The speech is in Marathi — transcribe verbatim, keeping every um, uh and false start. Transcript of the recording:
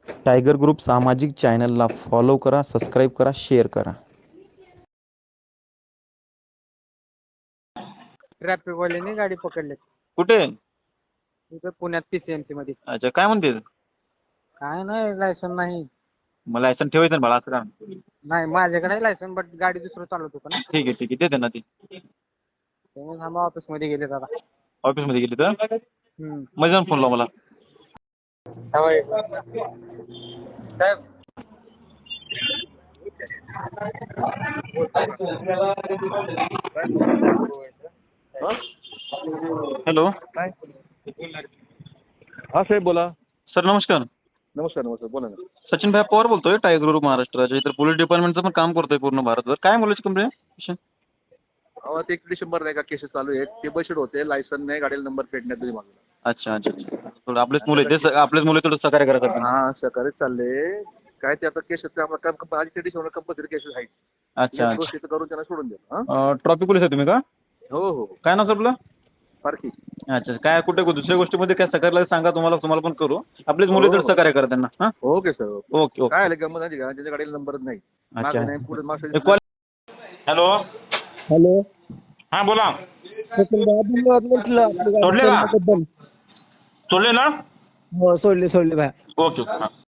टायगर ग्रुप सामाजिक चॅनलला फॉलो करा, सबस्क्राईब करा, शेअर करा. ट्रॅफिकवाल्यांनी गाडी पकडली. कुठे? इथं पुण्यात पीसीएमसी मध्ये. अच्छा, काय म्हणते? काय नाही, लायसन नाही. मला लायसन ठेवायचं ना, मला असं का? नाही, माझ्याकडे आहे लायसन, बट गाडी दुसरं चालवत होतं ना. ठीक आहे ठीक आहे, देते ना ती. त्यामुळे आम्ही ऑफिसमध्ये गेले दादा. ऑफिसमध्ये गेली तर हम्म. मग जाऊन फोन लाव मला. साहेब हॅलो. हां साहेब बोला. सर नमस्कार. नमस्कार नमस्कार बोला ना. सचिन भाई पवार बोलतोय, टायगर ग्रुप महाराष्ट्राच्या. इतर पोलीस डिपार्टमेंटचं पण काम करतोय पूर्ण भारतभर. काय मुलाची कंप्लेंट? अहो ते एक डिसेंबर नाही का केसेस चालू आहेत, ते बशीड होते, लायसन नाही, गाडीला नंबर पेटण्यात तुम्ही मागला. अच्छा अच्छा अच्छा. थोडं आपलेच मुलं आहेत ते, आपलेच मुलं थोडं सहकार्य करा करतात. हां सकाळीच चालले काय ते आता केसेस आम्हाला काम आधी ते डिसेंबर कंपल्सरी केसेस आहेत. अच्छा गोष्टी तर करून त्यांना सोडून द्या. हां अच्छा. ट्रॉफिक पोलीस आहे तुम्ही का? हो हो हो. काय नाव सर आपलं? पारखी. अच्छा, काय कुठे दुसऱ्या गोष्टीमध्ये काय सहकार्य सांगा, तुम्हाला तुम्हाला पण करू. आपलेच मुलं तर सहकार्य करा त्यांना. हां okay sir okay. Okay okay. काय आलं गंमत आहे का, त्याच्या गाडीला नंबरच नाही. अच्छा. मागं नाही पुढे मागं. हॅलो. हॅलो. हां बोला. धन्यवाद म्हटलं आपली गाडी सोडले का? सोडल्याबद्दल. सोडले ना? हो सोडले सोडले बाय. ओके. हां.